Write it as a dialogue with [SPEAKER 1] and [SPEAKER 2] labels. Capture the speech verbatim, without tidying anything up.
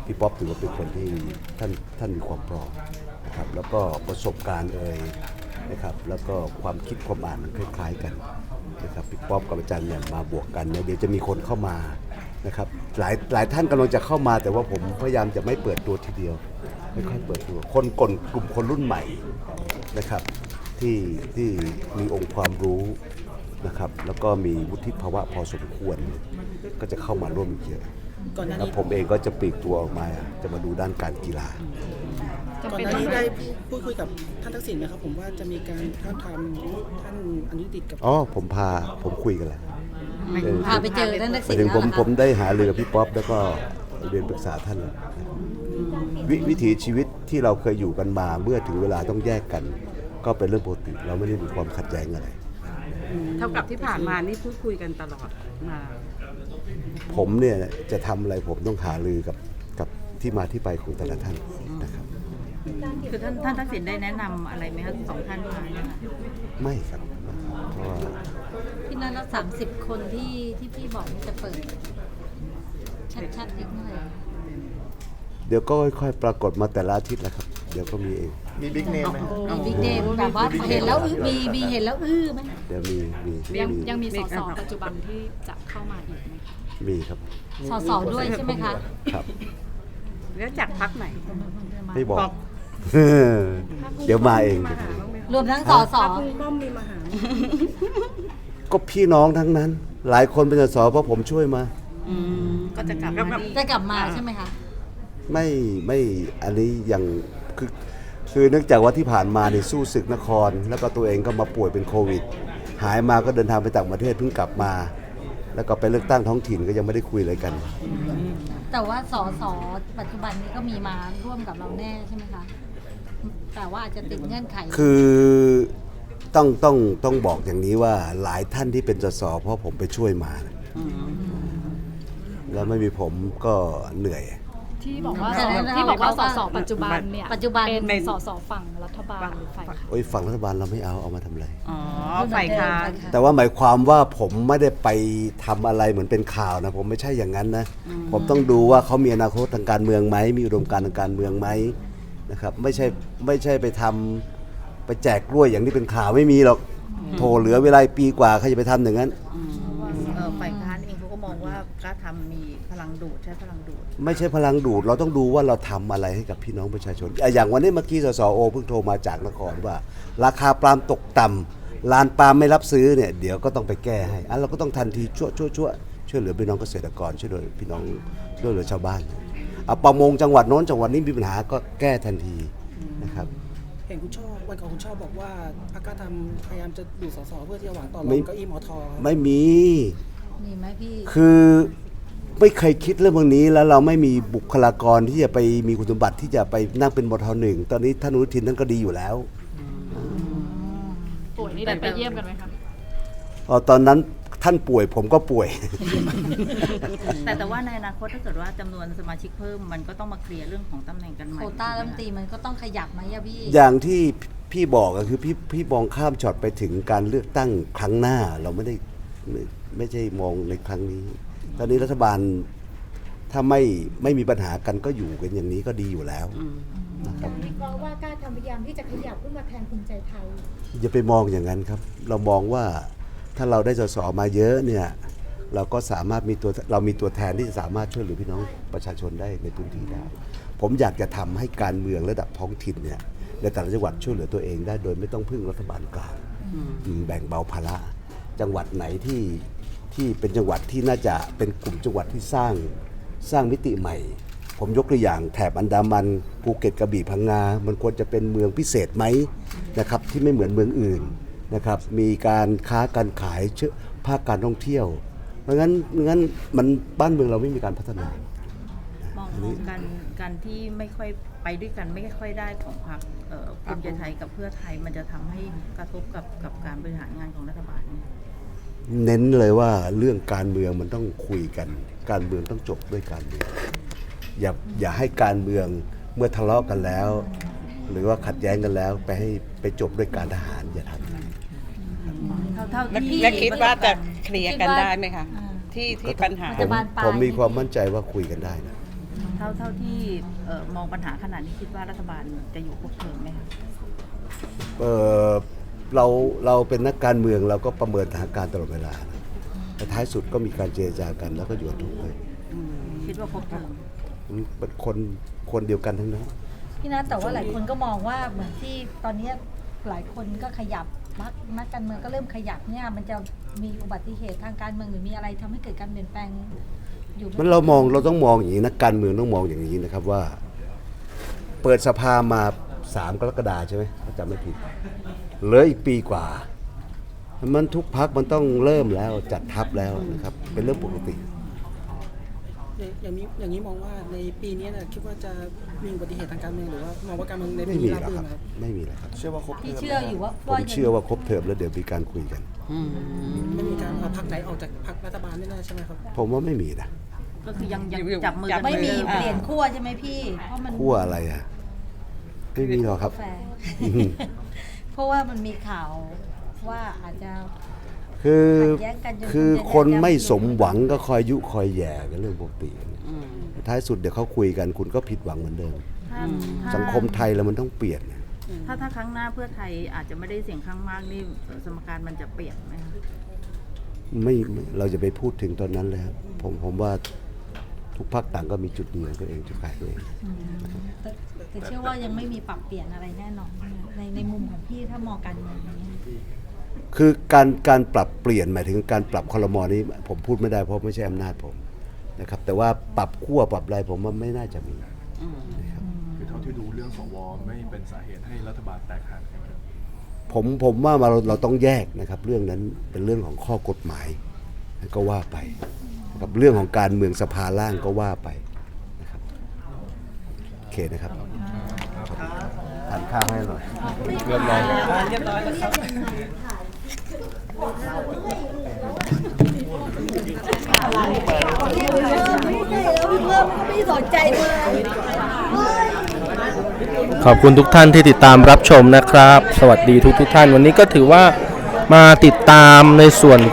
[SPEAKER 1] พี่ป๊อปถือว่าเป็นคนที่ท่านท่านมีความพร้อมนะครับแล้วก็ประสบการณ์เอ่ยนะครับแล้วก็ความคิดความอ่านมันคล้ายๆกันนะครับพี่ป๊อปกับอาจารย์เนี่ยมาบวกกันเนี่ยเดี๋ยวจะมีคนเข้ามานะครับหลายหลายท่านกำลังจะเข้ามาแต่ว่าผมพยายามจะไม่เปิดตัวทีเดียวไม่ค่อยเปิดตัวคนกลุ่มกลุ่มคนรุ่นใหม่นะครับที่ที่มีองค์ความรู้นะครับแล้วก็มีวุฒิภาวะพอสมควรก็จะเข้ามาร่วมอีกเยอะแล้วผมเองก็จะปลีกตัวออกมาจะมาดูด้านการกีฬา
[SPEAKER 2] ก่อนหน้านี้ได้พูดคุยกับท่านทักษิณนะครับผมว่าจะมีการท้าบทามท่านอนุทินกับ
[SPEAKER 1] อ๋อผมพาผมคุยกันแหละ
[SPEAKER 3] พาไปเจอท่านทักษิณ
[SPEAKER 1] ถึงผมผมได้หาเรือกับพี่ป๊อปแล้วก็เรียนปรึกษาท่านแล้วววิถีชีวิตที่เราเคยอยู่กันมาเมื่อถึงเวลาต้องแยกกัน ก็เป็นเรื่องปกติเราไม่ได้มีความขัดแย้งอะไร
[SPEAKER 4] เท่ากับที่ผ่านมานี่พูดคุยกันตลอดมา
[SPEAKER 1] ผมเนี่ยจะทำอะไรผมต้องหารือกับกับที่มาที่ไปของแต่ละท่านนะครับ
[SPEAKER 3] คือท่านท่านทักษิณได้แนะนำอะไรไหมครับสองท่านมาเนี่ยค่ะ
[SPEAKER 1] ไม่ครับเพราะว่า
[SPEAKER 3] พี่นัทละสามสิบคนที่ที่พี่บอกจะเปิดชัดๆอีกเมื่อไหร่
[SPEAKER 1] เดี๋ยวก็ค่อยๆปรากฏมาแต่ละอาทิตย์แหละครับเดี๋ยวก็มีเอง
[SPEAKER 5] มีบิ๊กเนมไหม
[SPEAKER 3] มีบิ๊กเนมแบบว่าเห็นแล้วมีมีเห็นแล้วอื้อไหม
[SPEAKER 1] เดี๋ยวมีมี
[SPEAKER 6] ยังยังมีสสปัจจุบันที่จะเข้ามาอีกไหม
[SPEAKER 1] มีครับ
[SPEAKER 3] สสด้วยใช่ไหมคะ
[SPEAKER 1] ครับ
[SPEAKER 4] แล้วจากพรรคไหน
[SPEAKER 1] ไม่บอกเดี๋ยวมาเอง
[SPEAKER 3] รวมทั้งสส
[SPEAKER 2] ป้อมมีมหา
[SPEAKER 1] ก็พี่น้องทั้งนั้นหลายคนเป็นสสเพราะผมช่วยมา
[SPEAKER 3] ก็จะกลับมาจะกลับมาใช่ไหมคะ
[SPEAKER 1] ไม่ไม่อันนี้ยังคือคือเนื่องจากว่าที่ผ่านมาในสู้ศึกนครแล้วก็ตัวเองก็มาป่วยเป็นโควิดหายมาก็เดินทางไปต่างประเทศเพิ่งกลับมาแล้วก็ไปเลือกตั้งท้องถิ่นก็ยังไม่ได้คุยอะไรกัน
[SPEAKER 3] แต่ว่าสสปัจจุบันนี้ก็มีมาร่วมกับเราแน่ใช่ไหมคะแต่ว่าอาจจะติดเงื่อนไข
[SPEAKER 1] คือต้องต้องต้องบอกอย่างนี้ว่าหลายท่านที่เป็นสสเพราะผมไปช่วยมาแล้วไม่มีผมก็เหนื่อย
[SPEAKER 6] ที่บอกว่าที่บอกว่าสสปัจจุบันเนี่ย
[SPEAKER 3] ปัจจุบัน
[SPEAKER 6] เป็นสสฝั่งรัฐบาลหรือฝ่ายค้าน
[SPEAKER 1] โอ้ยฝั่งรัฐบาลเราไม่เอาเอามาทำอะไร
[SPEAKER 4] อ๋อฝ่ายค้าน
[SPEAKER 1] แต่ว่าหมายความว่าผมไม่ได้ไปทำอะไรเหมือนเป็นข่าวนะผมไม่ใช่อย่างนั้นนะผมต้องดูว่าเขามีอนาคตทางการเมืองไหมมีอุดมการณ์ทางการเมืองไหมนะครับไม่ใช่ไม่ใช่ไปทำไปแจกกล้วยอย่างที่เป็นข่าวไม่มีหรอกโถเหลือเวลาปีกว่าใครจะไปทำอย่างนั้น
[SPEAKER 7] ฝ่ายค้านเองเขาก็มองว่าการทำมีพลังดูดใช้พลังดูด
[SPEAKER 1] ไม่ใช่พลังดูดเราต้องดูว่าเราทำอะไรให้กับพี่น้องประชาชนอย่างวันนี้เมื่อกี้สสโอเพิ่งโทรมาจากนครว่าราคาปาล์มตกต่ำลานปาล์มไม่รับซื้อเนี่ยเดี๋ยวก็ต้องไปแก้ให้อันเราก็ต้องทันทีช่วยช่วยช่วยช่วยเหลือพี่น้องเกษตรกรช่วยเหลือพี่น้องช่วยเหลือชาวบ้านเอาประมงจังหวัดโน้นจังหวัดนี้มีปัญหาก็แก้ทันทีนะครับ
[SPEAKER 2] เห็นคุณชอบวันก่อนคุณชอบบอกว่าพรรคกล้าทำพยายามจะดูสสเพื่อที่จะหวังต่อรองเก้าอี้มอทอ
[SPEAKER 1] ไม่มี
[SPEAKER 3] มีไหมพี่
[SPEAKER 1] คือไม่เคยคิดเรื่องพวกนี้แล้วเราไม่มีบุคลากรที่จะไปมีคุณสมบัติที่จะไปนั่งเป็นมทหนึ่งตอนนี้ท่านอนุทินท่านก็ดีอยู่แล้ว
[SPEAKER 6] ป่วยนี่ได้ไปเยี่ยมกันไหมครับ
[SPEAKER 1] อ๋อตอนนั้นท่านป่วยผมก็ป่วย
[SPEAKER 7] แต่แต่ว่าในอนาคตถ้าเกิดว่าจำนวนสมาชิกเพิ่มมันก็ต้องมาเคลียร์เรื่องของตำแหน่งกันใหม่
[SPEAKER 3] โควต้ารัฐมนตรีมันก็ต้องขยับไหมอะพี่
[SPEAKER 1] อย่างที่พี่บอกก็คือพี่พี่มองข้ามช็อตไปถึงการเลือกตั้งครั้งหน้าเราไม่ได้ไม่ไม่ใช่มองในครั้งนี้ตอนนี้รัฐบาลถ้าไม่ไม่มีปัญหากันก็อยู่กันอย่างนี้ก็ดีอยู่แล้ว
[SPEAKER 8] นะครับวิเคราะห์ว่ากล้าทำพยายามที่จะขยับขึ้นมาแทนภูมิใจไทย
[SPEAKER 1] อย่าไปมองอย่างนั้นครับเรามองว่าถ้าเราได้สสมาเยอะเนี่ยเราก็สามารถมีตัวเรามีตัวแทนที่จะสามารถช่วยเหลือพี่น้องประชาชนได้ในพื้นที่ได้ผมอยากจะทำให้การเมืองระดับท้องถิ่นเนี่ยในแต่ละจังหวัดช่วยเหลือตัวเองได้โดยไม่ต้องพึ่งรัฐบาลกลางแบ่งเบาภาระจังหวัดไหนที่ที่เป็นจังหวัดที่น่าจะเป็นกลุ่มจังหวัดที่สร้างสร้างมิติใหม่ผมยกตัวอย่างแถบอันดามันภูเก็ตกระบี่พังงามันควรจะเป็นเมืองพิเศษไหมนะครับที่ไม่เหมือนเมืองอื่นนะครับมีการค้าการขายเชื่อภาคการท่องเที่ยวเพราะงั้นงั้นมันบ้านเมืองเราไม่มีการพัฒนาม
[SPEAKER 7] องมองการการที่ไม่ค่อยไปด้วยกันไม่ค่อยได้ของพรรคภูมิใจไทยกับเพื่อไทยมันจะทำให้กระทบกับกับการบริหารงานของรัฐบาล
[SPEAKER 1] เน้นเลยว่าเรื่องการเมืองมันต้องคุยกันการเมืองต้องจบด้วยการเมืองอย่าอย่าให้การเมืองเมื่อทะเลาะกันแล้วหรือว่าขัดแย้งกันแล้วไปให้ไปจบด้วยการทหารอย่าทำ
[SPEAKER 4] และคิดว่าจะเคลียร์กันได้ไหมคะที่ที่ปัญหา
[SPEAKER 1] ผมผมมีความมั่นใจว่าคุยกันได้นะ
[SPEAKER 7] เท่าเท่าที่เอ่อมองปัญหาขนาดนี้คิดว่ารัฐบาลจะอยู่ครบเทอมไหมคะ
[SPEAKER 1] เออเราเราเป็นนักการเมืองเราก็ประเมินสถานการณ์ตลอดเวลานะแต่ท้ายสุดก็มีการเจรจากันแล้วก็อยู่กันทุกคน
[SPEAKER 7] คิดว่าครบเทอม
[SPEAKER 1] มันเป็นคนคนเดียวกันทั้งนั้น
[SPEAKER 3] พี่นัทแต่ว่าหลายคนก็มองว่าเหมือนที่ตอนนี้หลายคนก็ขยับนักนักการเมืองก็เริ่มขยับเนี่ยมันจะมีอุบัติเหตุทางการเมืองหรือมีอะไรทำให้เกิดการเปลี่ยนแปลงอยู่ไห
[SPEAKER 1] มันเรามองเราต้องมองอย่างนี้นักการเมืองต้องมองอย่างนี้นะครับว่า เปิดสภามาสามกรกฎาคมใช่ไหมถ้าจำไม่ผิดเหลืออีกปีกว่า มันทุกพักมันต้องเริ่มแล้วจัดทัพแล้วนะครับเป็นเรื่องปกติ
[SPEAKER 2] อย่างนี้อย่างนี้มองว่าในปีนี้นะคิดว่าจะมีอุบัติเหตุทางการเมืองหรือว่ามองว่าการเมืองใน
[SPEAKER 1] ไม่
[SPEAKER 2] ปี
[SPEAKER 1] มี
[SPEAKER 2] นี้
[SPEAKER 1] หร
[SPEAKER 2] รา
[SPEAKER 1] อบ ก
[SPEAKER 2] รื่
[SPEAKER 1] คน รับ
[SPEAKER 2] ไหมครับ
[SPEAKER 1] ไม่มีแล้วครับ
[SPEAKER 5] เชื่อว่าครบเท
[SPEAKER 3] พี่
[SPEAKER 5] อม
[SPEAKER 3] เชื่ออยู่ว่า
[SPEAKER 1] ผม
[SPEAKER 3] ว่ายัง
[SPEAKER 1] เชื่อว่าครบเทอมแล้วเดี๋ยวมีการคุยกัน
[SPEAKER 2] ไม่มีการเอาพรรคไหนออกจากพรรครัฐบาลแน่ๆใช่ไหมครับ
[SPEAKER 1] ผมว่าไม่มีนะ
[SPEAKER 7] ก็คือยังยังจับมือกัน
[SPEAKER 3] ไม่มี
[SPEAKER 7] หอนดิ
[SPEAKER 3] เปลี่ยนขั้วใช่ไหมพี่เพราะมัน
[SPEAKER 1] ขั้วอะไรอ่ะไม่มีหรอกครับ
[SPEAKER 3] กาแฟ
[SPEAKER 1] อืม
[SPEAKER 3] เพราะว่ามันมีข่าวว่าอาจจะ
[SPEAKER 1] คือ
[SPEAKER 3] ขัดแย้งกันจน
[SPEAKER 1] คือ
[SPEAKER 3] จน
[SPEAKER 1] คน
[SPEAKER 3] จะ
[SPEAKER 1] ไม่สมหวังก็คอยยุคอยแย่กันเรื่องปกติท้ายสุดเดี๋ยวเขาคุยกันคุณก็ผิดหวังเหมือนเดิม
[SPEAKER 7] ถ้าถ้า
[SPEAKER 1] สังคมไทยแล้วมันต้องเปลี่ยน
[SPEAKER 7] ถ้าถ้าครั้งหน้าเพื่อไทยอาจจะไม่ได้เสียงข้างมากนี่เอ่อสมการมันจะเปลี่ยนไหมคะ
[SPEAKER 1] ไม่ไม่เราจะไปพูดถึงตอนนั้นเลยครับผมผมว่าทุกพรรคต่างก็มีจุดดีของตัวเองจุดขายตัวเอง
[SPEAKER 3] แต่แต่เชื่อว่ายังไม่มีปรับเปลี่ยนอะไรแน่นอนในในมุมของพี่ถ้ามองการเมืองอย่างนี้
[SPEAKER 1] คือการการปรับเปลี่ยนหมายถึงการปรับคลมอนี้ผมพูดไม่ได้เพราะไม่ใช่อำนาจผมนะครับแต่ว่าปรับขั้วปรับอะไรผมว่าไม่น่าจะมี
[SPEAKER 5] คือเท่าที่ดูเรื่องสวไม่เป็นสาเหตุให้รัฐบาลแตกหักใช่ไหมครับ
[SPEAKER 1] ผมผมว่าเราเราต้องแยกนะครับ เรื่องนั้นเป็นเรื่องของข้อกฎหมายก็ว่าไปนะครับเรื่องของการเมืองสภาล่างก็ว่าไปนะครับโอเคนะครับทานข้าวให้หน่อย
[SPEAKER 5] เรียบร้อย
[SPEAKER 2] เรียบร้อยแล้วครับ
[SPEAKER 3] ไม่สนใจเลย
[SPEAKER 9] ขอบคุณทุกท่านที่ติดตามรับชมนะครับ สวัสดีทุกทุกท่านวันนี้ก็ถือว่ามาติดตามในส่วน